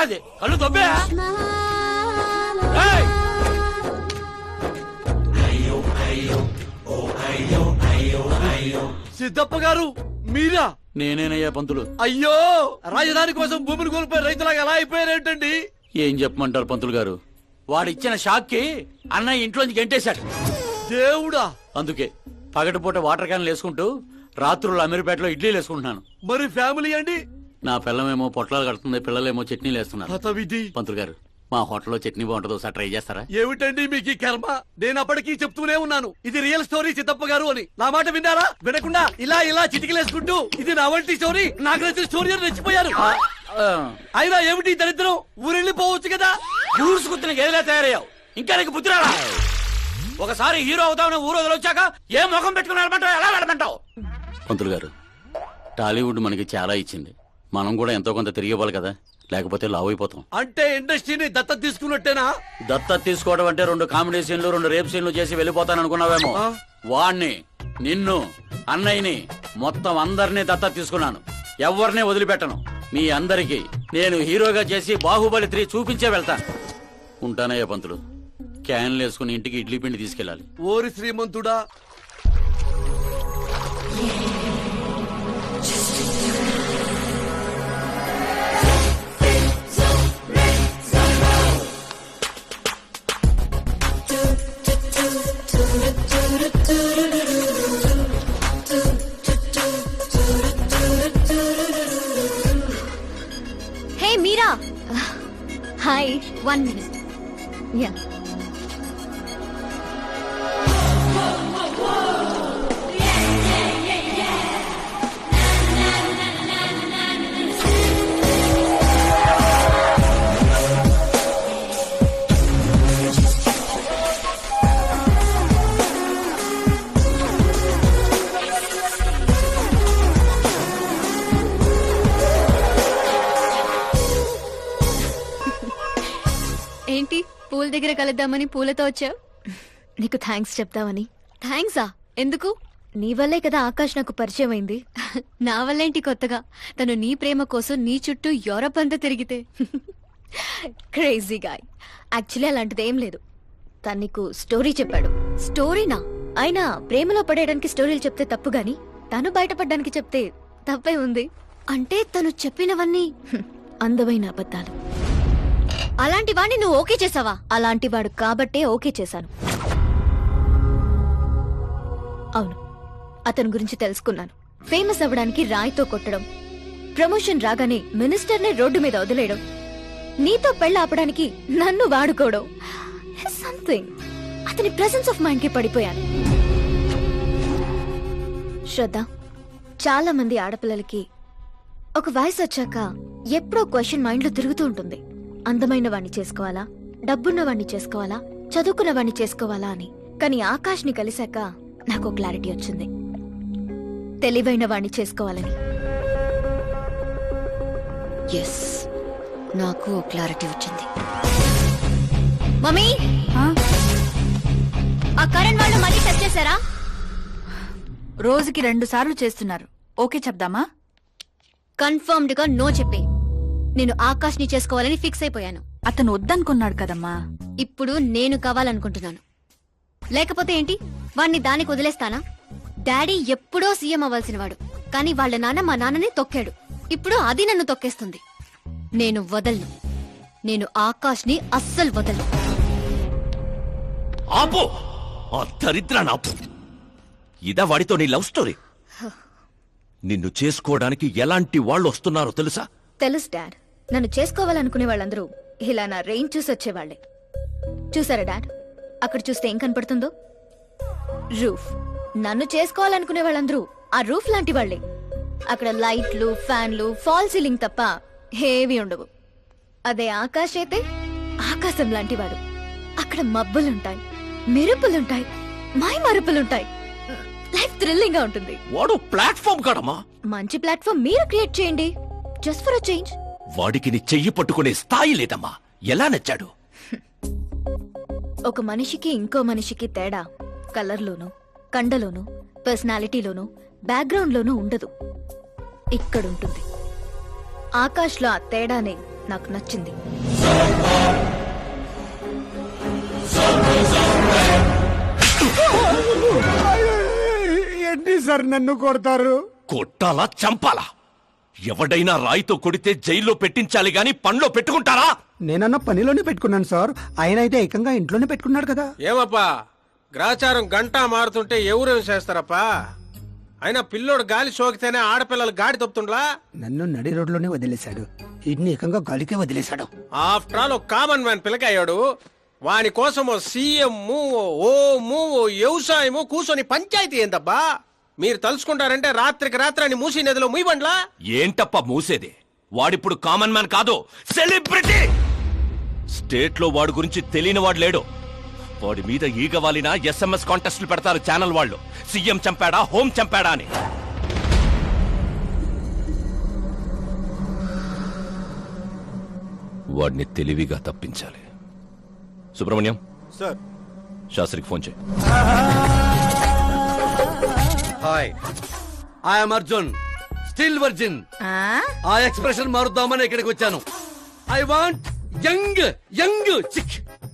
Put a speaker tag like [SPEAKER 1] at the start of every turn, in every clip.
[SPEAKER 1] అది కళ్ళు తొబ్బే.
[SPEAKER 2] సిద్ధప్ప గారు మీరా?
[SPEAKER 1] నేనేనయ్యా పంతులు.
[SPEAKER 2] అయ్యో, రాజధాని కోసం భూమిని కోల్పోయి రైతులాగా ఎలా అయిపోయారేంటండి?
[SPEAKER 1] ఏం చెప్పమంటారు పంతులు గారు, వాడిచ్చిన షాక్ కి అన్నయ్య ఇంట్లోంచి గెంటేశాడు.
[SPEAKER 2] దేవుడా!
[SPEAKER 1] అందుకే పగటిపూట వాటర్ క్యాన్లు వేసుకుంటూ రాత్రులు అమీర్పేటలో ఇడ్లీలు వేసుకుంటున్నాను.
[SPEAKER 2] మరి ఫ్యామిలీ అండి?
[SPEAKER 1] నా పిల్లమేమో పొట్లాలు కడుతుంది, పిల్లలేమో చట్నీలు వేస్తున్నారు.
[SPEAKER 2] హతవిధి.
[SPEAKER 1] పంతులు గారు, మా హోటల్లో చట్నీ బాగుంటుందో ఒకసారి ట్రై చేస్తారా?
[SPEAKER 2] ఏమిటండి మీకు ఈ కర్మ? నేను అప్పటికీ చెప్తూనే ఉన్నాను ఇది రియల్ స్టోరీ సిద్ధప్ప గారు అని. నా మాట విన్నారా? వినకుండా ఇలా ఇలా చిటికలేసుకుంటూ ఇది నా వంటి స్టోరీ, నాకు నచ్చిన స్టోరీ అని రెచ్చిపోయారు. అయినా ఏమిటి దరిద్రం? ఊరెళ్ళిపోవచ్చు కదా.
[SPEAKER 1] ఊరుసుకుతున్న గదిలే తయారయ్యావు, ఇంకా నీకు బుద్ధి రాలా? ఒకసారి హీరో అవుతామని ఊరు వదిలొచ్చాక ఏ ముఖం పెట్టుకుని వెళ్ళమంటావు, ఎలా వెళ్ళమంటావు? పంతులు గారు, టాలీవుడ్ మనకి చాలా ఇచ్చింది, మనం కూడా ఎంతో కొంత తిరిగి ఇవ్వాలి కదా, లేకపోతే లావు అయిపోతాం.
[SPEAKER 2] అంటే ఇండస్ట్రీని దత్తత తీసుకున్నట్టేనా?
[SPEAKER 1] దత్తత తీసుకోవడం అంటే 2 కామెడీ సీన్లు 2 రేప్ సీన్లు చేసి వెళ్ళిపోతాను అనుకున్నావేమో. వాణ్ణి, నిన్ను, అన్నయ్యని, మొత్తం అందరినీ దత్తత తీసుకున్నాను. ఎవరిని వదిలిపెట్టను. మీ అందరికి నేను హీరోగా చేసి బాహుబలి 3 చూపించే వెళ్తాను. ఉంటానయ్యా పంతులు. క్యాన్లు వేసుకుని ఇంటికి ఇడ్లీ పిండి తీసుకెళ్ళాలి.
[SPEAKER 2] ఓరి శ్రీమంతుడా!
[SPEAKER 3] Hey Meera. Hi, 1 minute. Yeah. ఏంటి పూల దగ్గర కలుద్దామని పూలతో వచ్చావు? నీకు థ్యాంక్స్ చెప్తావని. థ్యాంక్సా? ఎందుకు? నీ వల్లే కదా ఆకాష్ నాకు పరిచయం అయింది. నా వల్లేంటి కొత్తగా? తను నీ ప్రేమ కోసం నీ చుట్టూ యూరప్ అంతా తిరిగితే. Crazy guy. యాక్చువల్లీ అలాంటిది ఏం లేదు. తను నీకు స్టోరీ చెప్పాడు. స్టోరీనా? అయినా ప్రేమలో పడేయడానికి స్టోరీలు చెప్తే తప్పు గాని తను బయటపడడానికి చెప్తే తప్పే ఉంది. అంటే తను చెప్పినవన్నీ అందమైన అబద్ధాలు. అలాంటి వాడిని నువ్వు ఓకే చేసావా? అలాంటి వాడు కాబట్టే ఓకే చేశాను. అవును, అతని గురించి తెలుసుకున్నాను. ఫేమస్ అవ్వడానికి రాయితో కొట్టడం, ప్రమోషన్ రాగానే మినిస్టర్నే రోడ్డు మీద వదిలేయడం, నీతో పెళ్లి ఆపడానికి నన్ను వాడుకోవడం. సంథింగ్. అతని ప్రెసెన్స్ ఆఫ్ మైండ్ కి పడిపోయాను. శ్రద్ధ, చాలా మంది ఆడపిల్లలకి ఒక వయసు వచ్చాక ఎప్పుడో క్వశ్చన్ మైండ్ లో తిరుగుతూ ఉంటుంది. అందమైన వాణ్ణి చేసుకోవాలా, డబ్బున్న వాణ్ణి చేసుకోవాలా, చదువుకున్న వాణ్ణి చేసుకోవాలా అని. కానీ ఆకాష్ ని కలిశాక నాకు క్లారిటీ వచ్చింది. తెలివైన వాణ్ణి చేసుకోవాలని. ఎస్, నాకు క్లారిటీ వచ్చింది. మమ్మీ, ఆ కరణ్ వాళ్ళు మళ్ళీ టచ్ చేశారా?
[SPEAKER 4] రోజుకి 2 సార్లు చేస్తున్నారు. ఓకే చెప్దామా?
[SPEAKER 3] కన్ఫర్మ్డ్ గా నో చెప్పే. నేను ఆకాష్ ని చేసుకోవాలని ఫిక్స్ అయిపోయాను.
[SPEAKER 4] అతను వద్దనుకున్నాడు కదమ్మా.
[SPEAKER 3] ఇప్పుడు నేను కావాలనుకుంటున్నాను. లేకపోతే ఏంటి, వాణ్ణి దానికి వదిలేస్తానా? డాడీ ఎప్పుడో సీఎం అవ్వాల్సిన వాడు, కానీ వాళ్ళ నాన్న మా నాన్నని తొక్కాడు. ఇప్పుడు అది నన్ను తొక్కేస్తుంది. నేను వదలను. నేను ఆకాష్ ని అస్సలు వదలను.
[SPEAKER 5] ఆపో, ఆ దరిద్రాన్ని ఆపు. ఇదా వాడితో నీ లవ్ స్టోరీ? నిన్ను చేసుకోవడానికి ఎలాంటి వాళ్ళు వస్తున్నారో తెలుసా?
[SPEAKER 3] తెలుసు డాడ్. నన్ను చేసుకోవాలనుకునే వాళ్ళందరూ ఇలా నా రేంజ్ చూసి వచ్చేవాళ్లే. చూసారా డాడ్, అక్కడ చూస్తే ఏం కనపడుతుందో? రూఫ్. నన్ను చేసుకోవాలనుకునే వాళ్ళందరూ ఆ రూఫ్ లాంటి వాళ్లే. అక్కడ లైట్లు, ఫ్యాన్లు, ఫాల్ సీలింగ్ తప్ప హేవీ ఉండవు. అదే ఆకాశ్ అయితే ఆకాశం లాంటివాడు. అక్కడ మబ్బులుంటాయి, మెరుపులుంటాయి, మై మరుపులుంటాయి. లైఫ్ థ్రిల్లింగ్ గా ఉంటుంది.
[SPEAKER 5] వాడు ప్లాట్ఫామ్ కాడమ్మా.
[SPEAKER 3] మంచి ప్లాట్ఫామ్ మీరు క్రియేట్ చేయండి. Just for a change.
[SPEAKER 5] వాడికి నీ చెయ్యి పట్టుకునే స్థాయి లేదమ్మా. ఎలా నచ్చాడు?
[SPEAKER 3] ఒక మనిషికి ఇంకో మనిషికి తేడా కలర్లోనూ, కండలోనూ, పర్సనాలిటీలోనూ, బ్యాక్గ్రౌండ్ లోనూ ఉండదు. ఇక్కడుంటుంది. ఆకాష్లో ఆ తేడానే నాకు నచ్చింది.
[SPEAKER 6] ఏంటి సార్ నన్ను కొడతారు?
[SPEAKER 5] కొట్టాలా చంపాలా? ఎవడైనా రాయితో కొడితే జైల్లో పెట్టించాలి గాని పండ్లో పెట్టుకుంటారా?
[SPEAKER 6] నేనన్న పనిలోనే పెట్టుకున్నాను సార్. ఆయన అయితే ఏకంగా ఇంట్లోనే పెట్టుకున్నాడు కదా.
[SPEAKER 7] ఏమప్పా గ్రాచారం గంటా మారుతుంటే ఎవరేం చేస్తారప్పా? అయినా పిల్లోడు గాలి సోకితేనే ఆడపిల్లలు గాడి తప్పుతుండ్లా?
[SPEAKER 6] నన్ను నడి రోడ్లోనే వదిలేశాడు, ఇన్ని ఏకంగా గాలికే వదిలేశాడు.
[SPEAKER 7] ఆఫ్టర్ ఆల్ ఒక కామన్ మ్యాన్ పిల్లకయ్యాడు. వాని కోసం ఓ సీఎం ఓ వ్యవసాయము కూర్చొని పంచాయతీ ఏందబ్బా? మీరు తలుచుకుంటారంటే రాత్రికి రాత్రాన్ని మూసి నదిలో ముయ్యబండ్లా?
[SPEAKER 5] ఏంటప్ప మూసేది? వాడిప్పుడు కామన్ మ్యాన్ కాదు, సెలబ్రిటీ. స్టేట్ లో వాడి గురించి తెలియని వాడు లేడు. వాడి మీద ఈగ వాలిన SMS కాంటెస్ట్లు పెడతారు ఛానల్ వాళ్ళు. సీఎం చంపాడా, హోం చంపాడా అని. వాడిని తెలివిగా తప్పించాలి. సుబ్రహ్మణ్యం
[SPEAKER 7] సార్.
[SPEAKER 5] శాస్త్రికి ఫోన్ చేయి.
[SPEAKER 2] Hi, I'm Arjun, still virgin. ఆ ఎక్స్ప్రెషన్ మారుద్దామని ఇక్కడికి వచ్చాను. I want young young chick.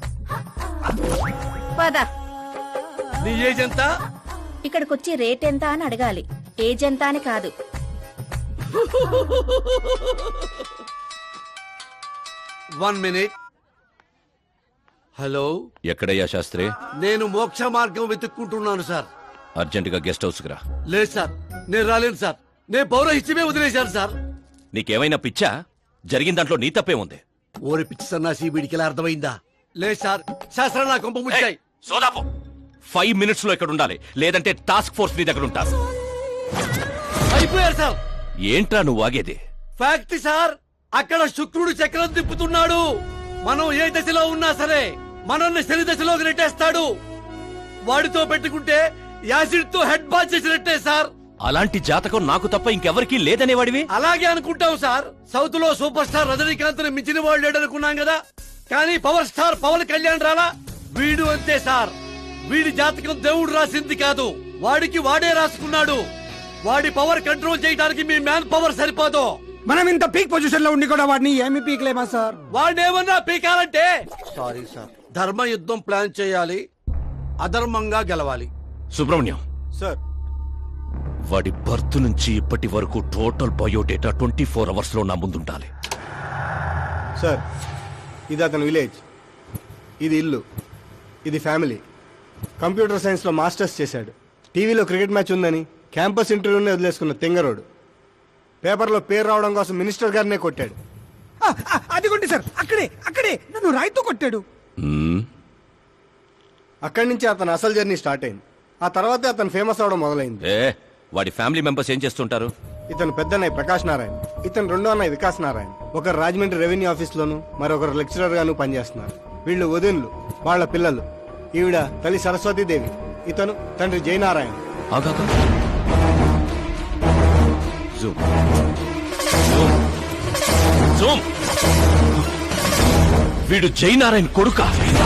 [SPEAKER 8] పద,
[SPEAKER 2] నీ ఏజ్ ఎంత?
[SPEAKER 8] ఇక్కడికొచ్చి రేట్ ఎంత అని అడగాలి, ఏజ్ ఎంత అని కాదు.
[SPEAKER 2] One minute. హలో,
[SPEAKER 5] ఎక్కడయ్యా శాస్త్రి?
[SPEAKER 2] నేను మోక్ష మార్గం వెతుక్కుంటున్నాను సార్.
[SPEAKER 5] అర్జెంటుగా గెస్ట్ హౌస్ కి రా.
[SPEAKER 2] లేదు సార్, నేను రాలేను సార్. నేను పౌరహిత్యమే వదిలేశాను సార్.
[SPEAKER 5] నీకేమైనా పిచ్చా? జరిగిన దాంట్లో నీ తప్పే ఉంది.
[SPEAKER 2] ఓరి పిచ్చి సన్నాసి, వీడికి ఎలా అర్థమైందా? లేదు సార్, శాస్త్రం నా కొంప ముచ్చాయి.
[SPEAKER 5] సోదాపు 5 మినిట్స్ లో ఇక్కడ ఉండాలి, లేదంటే టాస్క్ ఫోర్స్ నీ దగ్గర ఉంటారు.
[SPEAKER 2] అయిపోయారు సార్.
[SPEAKER 5] ఏంట్రా నువ్వు ఆగేది?
[SPEAKER 2] ఫ్యాక్ట్ సార్, అక్కడ శుక్రుడు చక్రం తిప్పుతున్నాడు. మనం ఏ దశలో ఉన్నా సరే మనల్ని శని దశలోకి నెట్టేస్తాడు. వాడితో పెట్టుకుంటే యాసిడ్ తో హెడ్ బాత్ చేసినట్టే సార్.
[SPEAKER 5] అలాంటి జాతకం నాకు తప్ప ఇంకెవరికీ లేదనేవాడివి.
[SPEAKER 2] అలాగే అనుకుంటాం సార్. సౌత్ లో సూపర్ స్టార్ రజనీకాంత్ ని మించిన వాళ్ళు లేడనుకున్నాం కదా, కానీ పవర్ స్టార్ పవన్ కళ్యాణ్ రాలా? వీడు అంతే సార్. వీడి జాతకం దేవుడు రాసింది కాదు, వాడికి వాడే రాసుకున్నాడు. వాడి పవర్ కంట్రోల్ చేయడానికి మీ మ్యాన్ పవర్ సరిపోదు.
[SPEAKER 6] మనం ఇంత పీక్ పొజిషన్ లో ఉండి కూడా వాడిని ఏమి పీక్లేమా సార్?
[SPEAKER 2] వాడేమన్నా పీకాలంటే సారీ సార్, ధర్మ యుద్ధం ప్లాన్ చేయాలి, అధర్మంగా గెలవాలి.
[SPEAKER 5] సుబ్రహ్మణ్యం
[SPEAKER 7] సార్.
[SPEAKER 5] వాడి బర్త్ నుంచి ఇప్పటి వరకు టోటల్ బయోడేటా 24 అవర్స్ లో నా ముందుండాలి.
[SPEAKER 9] సార్, ఇది అతని విలేజ్, ఇది ఇల్లు, ఇది ఫ్యామిలీ. కంప్యూటర్ సైన్స్ లో మాస్టర్స్ చేశాడు. టీవీలో క్రికెట్ మ్యాచ్ ఉందని క్యాంపస్ ఇంటర్వ్యూనే వదిలేసుకున్న తెంగరోడు. పేపర్లో పేరు రావడం కోసం మినిస్టర్ గారినే కొట్టాడు.
[SPEAKER 6] అదిగోండి సార్, అక్కడే నన్ను రాయితో కొట్టాడు.
[SPEAKER 9] అక్కడి నుంచి అతను అసలు జర్నీ స్టార్ట్ అయింది. ఆ తర్వాతే అతను ఫేమస్ అవడం మొదలైంది.
[SPEAKER 5] వాడి ఫ్యామిలీ మెంబర్స్ ఏం చేస్తుంటారు?
[SPEAKER 9] ఇతను పెద్దన్నయ్య ప్రకాష్ నారాయణ, ఇతను రెండో అన్నయ్య వికాస్ నారాయణ. ఒకరు రాజమండ్రి రెవెన్యూ ఆఫీస్ లోను, మరొకరు లెక్చరర్ గాను పనిచేస్తున్నారు. వీళ్ళు వదినులు, వాళ్ళ పిల్లలు. ఈవిడ తల్లి సరస్వతీదేవి, ఇతను తండ్రి జయనారాయణ.
[SPEAKER 5] ఆగాక. జూమ్. జూమ్. వీడు జయనారాయణ కొడుక.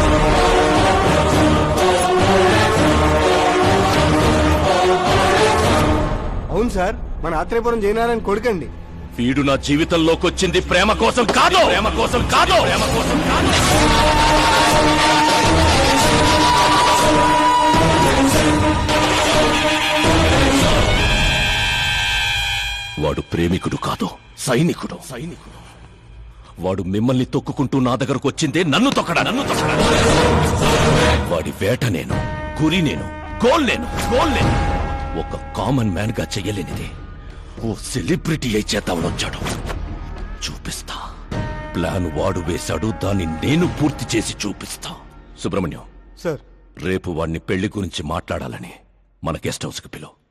[SPEAKER 9] అవును సార్, మన ఆత్రేయపురం జయనారాయణ కొడుకండి.
[SPEAKER 5] వీడు నా జీవితంలోకి వచ్చింది ప్రేమ కోసం కాదు, ప్రేమ కోసం కాదు, ప్రేమ కోసం కాదు. వాడు ప్రేమికుడు కాదు, సైనికుడు. వాడు మిమ్మల్ని తొక్కుకుంటూ నా దగ్గరకు వచ్చిందే నన్ను తొక్కడా. వాడి వేట నేను, గురి నేను, గోల్ నేను. ఒక కామన్ మ్యాన్ గా చెయ్యలేనిది ఓ సెలబ్రిటీ అయి చేద్దామని వచ్చాడు. చూపిస్తా. ప్లాన్ వాడు వేశాడు, దాన్ని నేను పూర్తి చేసి చూపిస్తా. సుబ్రహ్మణ్యం
[SPEAKER 9] సార్,
[SPEAKER 5] రేపు వాడిని పెళ్లి గురించి మాట్లాడాలని మన గెస్ట్ హౌస్ కి పిలువు.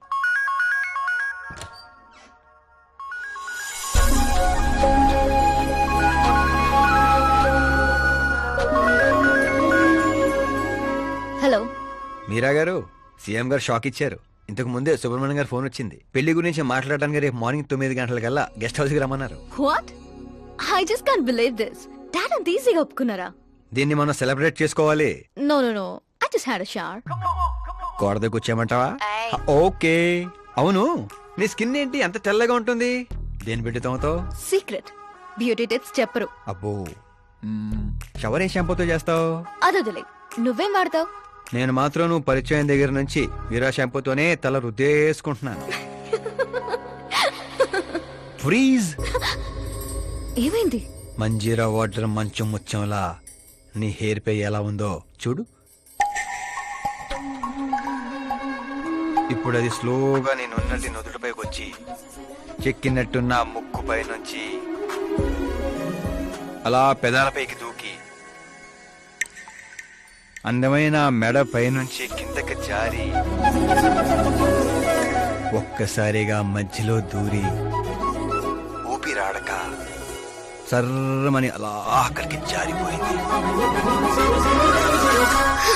[SPEAKER 3] హలో,
[SPEAKER 10] మీరా గారు, సీఎం గారు షాక్ ఇచ్చారు. ఇంతకు ముందే సుబ్రహ్మణ్యం గారు ఫోన్ వచ్చింది. పెళ్లి గురించి మాట్లాడడానికి రేపు మార్నింగ్ 9 గంటలకల్లా గెస్ట్ హౌస్ కి రమ్మన్నారు.
[SPEAKER 3] What? I just can't believe this. Dad అంత ఈజీగా ఒప్పుకున్నారా?
[SPEAKER 10] దీన్ని మనం సెలబ్రేట్ చేసుకోవాలి.
[SPEAKER 3] No, I just had a shower.
[SPEAKER 10] గోడ దగ్గర కూర్చోమంటావా? ఓకే. అవును, నీ స్కిన్ ఏంటి అంత తెల్లగా ఉంటుంది? దేని పెట్టి తోమతో?
[SPEAKER 3] సీక్రెట్. బ్యూటీ టిప్స్ చెప్పరు.
[SPEAKER 10] అబ్బో షవర్ ఏ షాంపూతో చేస్తావు?
[SPEAKER 3] అదొదిలే, నువ్వేం వాడతావు?
[SPEAKER 10] నేను మాత్రం నువ్వు పరిచయం దగ్గర నుంచి వీరా షాంపూతోనే తల రుద్దేసుకుంటున్నాను. ఫ్రీజ్.
[SPEAKER 3] ఏమైంది?
[SPEAKER 10] మంజీరా వాటర్ మంచం ముచ్చంలా నీ హెయిర్ పై ఎలా ఉందో చూడు. ఇప్పుడు అది స్లోగా నేను ఉన్నట్టు నుదుటిపైకి వచ్చి చెక్కినట్టున్న ముక్కుపై నుంచి అలా పెదాలపైకి దూకి అందమైన మెడ పైనుంచి కిందకి జారి ఒక్కసారిగా మధ్యలో దూరి ఊపిరాడక సర్రమని అలా అక్కడికి జారిపోయింది.